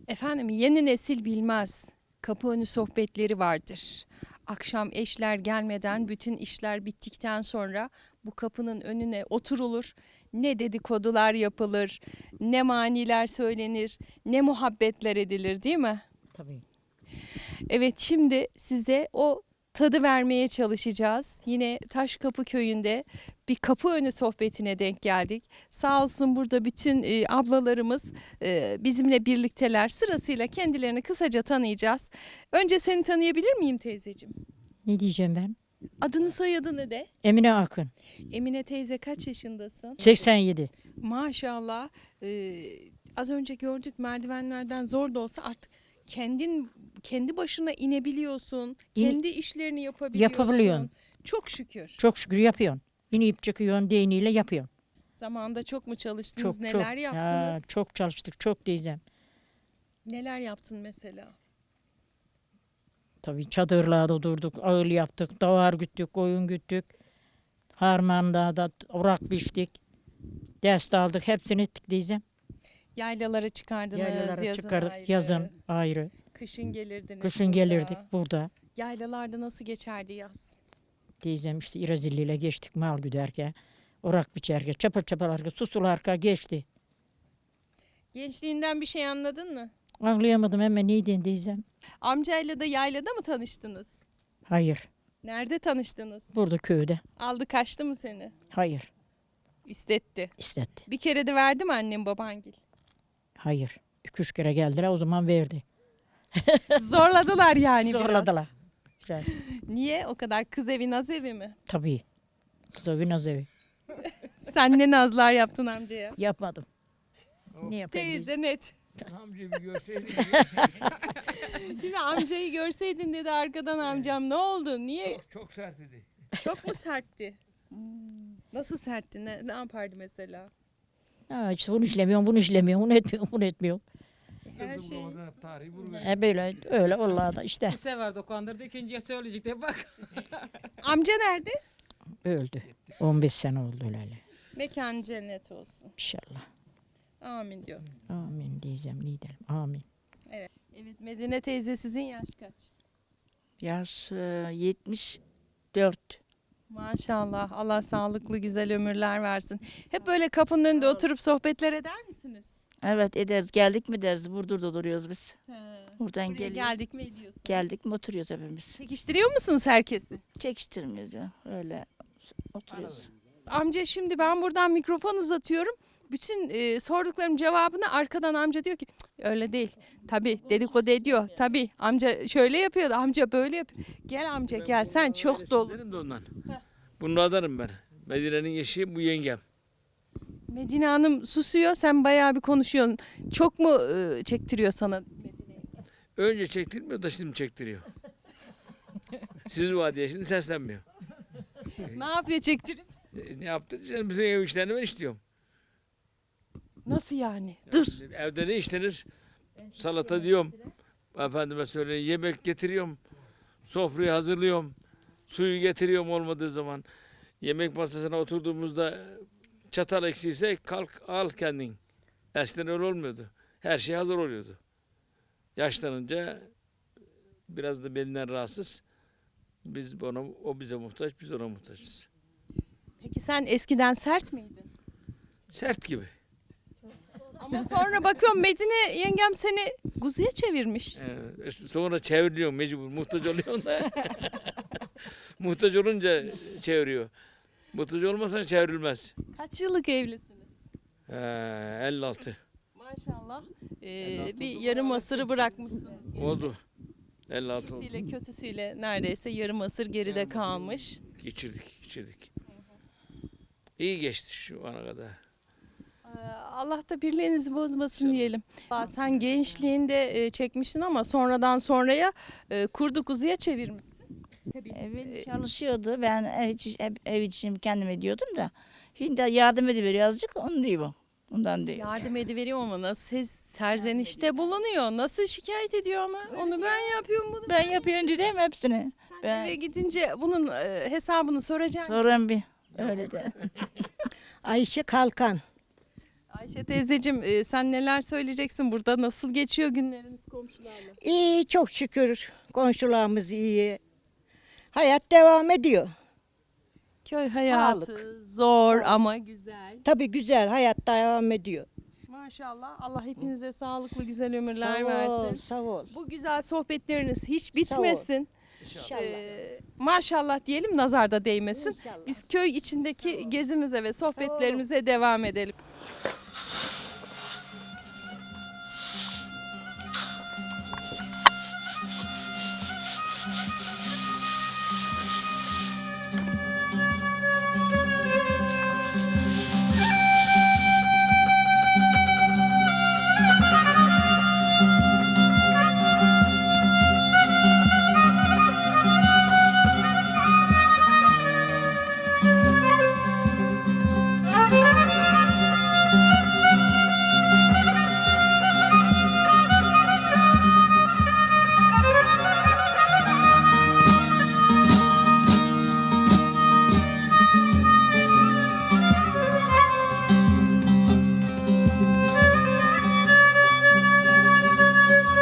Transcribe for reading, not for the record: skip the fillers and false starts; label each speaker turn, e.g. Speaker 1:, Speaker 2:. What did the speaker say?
Speaker 1: Efendim yeni nesil bilmez. Kapı önü sohbetleri vardır. Akşam eşler gelmeden bütün işler bittikten sonra bu kapının önüne oturulur. Ne dedikodular yapılır, ne maniler söylenir, ne muhabbetler edilir değil mi?
Speaker 2: Tabii.
Speaker 1: Evet şimdi size o tadı vermeye çalışacağız. Yine Taşkapı köyünde bir kapı önü sohbetine denk geldik. Sağ olsun burada bütün ablalarımız bizimle birlikteler. Sırasıyla kendilerini kısaca tanıyacağız. Önce seni tanıyabilir miyim teyzeciğim?
Speaker 2: Ne diyeceğim ben?
Speaker 1: Adını soyadını de.
Speaker 2: Emine Akın.
Speaker 1: Emine teyze kaç yaşındasın?
Speaker 2: 87.
Speaker 1: Maşallah. Az önce gördük merdivenlerden zor da olsa artık kendi başına inebiliyorsun. Kendi işlerini yapabiliyorsun.
Speaker 2: Yapabiliyorsun.
Speaker 1: Çok şükür.
Speaker 2: Çok şükür yapıyorsun. İnip çıkıyorsun, değneğiyle yapıyorsun.
Speaker 1: Zamanında çok mu çalıştınız?
Speaker 2: Çok
Speaker 1: Neler
Speaker 2: çok.
Speaker 1: yaptınız?
Speaker 2: Ya, çok çalıştık, çok diyeceğim.
Speaker 1: Neler yaptın mesela?
Speaker 2: Tabii çadırlarda durduk, ağıl yaptık, davar güttük, koyun güttük. Harmanda da orak biçtik. Ders aldık, hepsini ettik diyeceğim.
Speaker 1: Yaylalara çıkardınız
Speaker 2: Yaylalara
Speaker 1: yazın
Speaker 2: çıkardık,
Speaker 1: ayrı.
Speaker 2: yazın ayrı.
Speaker 1: Kışın gelirdiniz
Speaker 2: Kışın
Speaker 1: burada.
Speaker 2: gelirdik burada.
Speaker 1: Yaylalarda nasıl geçerdi yaz?
Speaker 2: Diyeceğim işte İrazilli'yle geçtik mal güderken. Orak biçerken, çapır çaparlarken, susularken geçti.
Speaker 1: Gençliğinden bir şey anladın mı?
Speaker 2: Anlayamadım hemen neyden diyeceğim.
Speaker 1: Amcayla da yaylada mı tanıştınız?
Speaker 2: Hayır.
Speaker 1: Nerede tanıştınız?
Speaker 2: Burada köyde.
Speaker 1: Aldı kaçtı mı seni?
Speaker 2: Hayır.
Speaker 1: İstetti.
Speaker 2: İstetti.
Speaker 1: Bir kere de verdi mi annem babangil?
Speaker 2: Hayır. 2-3 kere geldiler o zaman verdi.
Speaker 1: Zorladılar yani
Speaker 2: Zorladılar. Biraz.
Speaker 1: biraz. Niye? O kadar kız evi naz evi mi?
Speaker 2: Tabii. Kız naz evi.
Speaker 1: Sen ne nazlar yaptın amcaya?
Speaker 2: Yapmadım. Ne yapayım?
Speaker 1: Teyze net.
Speaker 3: Amca bir görseydin.
Speaker 1: Şimdi amcayı görseydin dedi arkadan amcam ne oldu? Niye?
Speaker 3: Çok sert idi.
Speaker 1: Çok mu sertti? Nasıl sertti? Ne yapardı mesela?
Speaker 2: Ha, işte bunu işlemiyorum, bunu işlemiyorum, bunu etmiyorum, bunu etmiyorum.
Speaker 1: Her
Speaker 3: Kızım
Speaker 1: şey.
Speaker 3: Ramazan tarihi bunu
Speaker 2: Böyle öyle vallahi da işte
Speaker 4: Bir sefer dokandırdı, ikinciye söyleyecek de bak.
Speaker 1: Amca nerede?
Speaker 2: öldü. 15 sene oldu öyle.
Speaker 1: Mekan cennet olsun.
Speaker 2: İnşallah.
Speaker 1: Amin diyor.
Speaker 2: Amin diyeceğim, ne diyelim. Amin.
Speaker 1: Evet Medine teyze sizin yaş kaç?
Speaker 5: Yaş 74.
Speaker 1: Maşallah Allah sağlıklı güzel ömürler versin. Hep böyle kapının önünde oturup sohbetler eder misiniz?
Speaker 5: Evet ederiz. Geldik mi deriz. Burdur'da duruyoruz biz.
Speaker 1: He.
Speaker 5: Buradan
Speaker 1: Buraya
Speaker 5: geliyoruz.
Speaker 1: geldik mi ediyorsunuz?
Speaker 5: Geldik mi oturuyoruz hepimiz.
Speaker 1: Çekiştiriyor musunuz herkesi?
Speaker 5: Çekiştirmiyoruz ya. Öyle oturuyoruz.
Speaker 1: Amca şimdi ben buradan mikrofon uzatıyorum. Bütün sorduklarım cevabını arkadan amca diyor ki "Cık, öyle değil. Tabii dedikodu ediyor. Tabii amca şöyle yapıyor da amca böyle yapıyor. Gel amca gel sen çok
Speaker 3: Benim
Speaker 1: dolusun.
Speaker 3: de ondan. Bunu adarım ben. Medine'nin eşi bu yengem.
Speaker 1: Medine Hanım susuyor sen bayağı bir konuşuyorsun. Çok mu çektiriyor sana Medine'yi?
Speaker 3: Önce çektirmiyor da şimdi çektiriyor. Siz var diye şimdi seslenmiyor.
Speaker 1: Ne yapıyor çektirip?
Speaker 3: Ne yaptın? Sen bizim ev işlerini ben işliyorum.
Speaker 1: Nasıl yani? Dur.
Speaker 3: Evde ne işlenir? Salata diyorum. Efendime söyleyeyim yemek getiriyorum. Sofrayı hazırlıyorum. Suyu getiriyorum olmadığı zaman. Yemek masasına oturduğumuzda çatal eksiyse kalk al kendin. Eskiden öyle olmuyordu. Her şey hazır oluyordu. Yaşlanınca biraz da belinden rahatsız. O bize muhtaç, biz ona muhtaçız.
Speaker 1: Peki sen eskiden sert miydin?
Speaker 3: Sert gibi.
Speaker 1: Ama sonra bakıyorum Medine yengem seni kuzuya çevirmiş.
Speaker 3: Sonra çevriliyorum mecbur. Muhtaç oluyorsun da. Muhtaç olunca çeviriyor. Muhtaç olmasa çevrilmez.
Speaker 1: Kaç yıllık evlisiniz?
Speaker 3: 56.
Speaker 1: Maşallah. Bir yarım asırı bırakmışsınız.
Speaker 3: Oldu. 56 oldu.
Speaker 1: İyisiyle kötüsüyle neredeyse yarım asır geride kalmış.
Speaker 3: Geçirdik. İyi geçti şu ana kadar.
Speaker 1: Allah da birliğinizi bozmasın diyelim. Sen gençliğinde çekmişsin ama sonradan sonraya kurdu kuzuya çevirmişsin. Tabii.
Speaker 5: Evim çalışıyordu. Ben ev için kendim ediyordum da. Şimdi yardım ediveriyor azıcık. Onu değil bu. Ondan değil.
Speaker 1: Yardım ediveriyor ama nasıl serzenişte bulunuyor. Nasıl şikayet ediyor ama onu ben yapıyorum bunu.
Speaker 5: Ben yapıyorum dedim hepsini.
Speaker 1: Sen
Speaker 5: Ben
Speaker 1: eve gidince bunun hesabını soracaksın.
Speaker 5: sorun bir. Öyle de.
Speaker 6: Ayşe Kalkan.
Speaker 1: Ayşe teyzeciğim sen neler söyleyeceksin burada? Nasıl geçiyor günleriniz komşularla?
Speaker 6: İyi, çok şükür komşularımız iyi. Hayat devam ediyor.
Speaker 1: Köy hayatı
Speaker 6: Sağlık.
Speaker 1: zor
Speaker 6: Sağlık.
Speaker 1: ama güzel.
Speaker 6: Tabii güzel, hayat devam ediyor.
Speaker 1: Maşallah Allah hepinize sağlıklı güzel ömürler
Speaker 6: Sağ ol,
Speaker 1: versin.
Speaker 6: sağ ol.
Speaker 1: Bu güzel sohbetleriniz hiç
Speaker 6: Sağ ol.
Speaker 1: bitmesin.
Speaker 6: İnşallah.
Speaker 1: Maşallah diyelim nazarda değmesin.
Speaker 6: İnşallah.
Speaker 1: Biz köy içindeki gezimize ve sohbetlerimize devam edelim.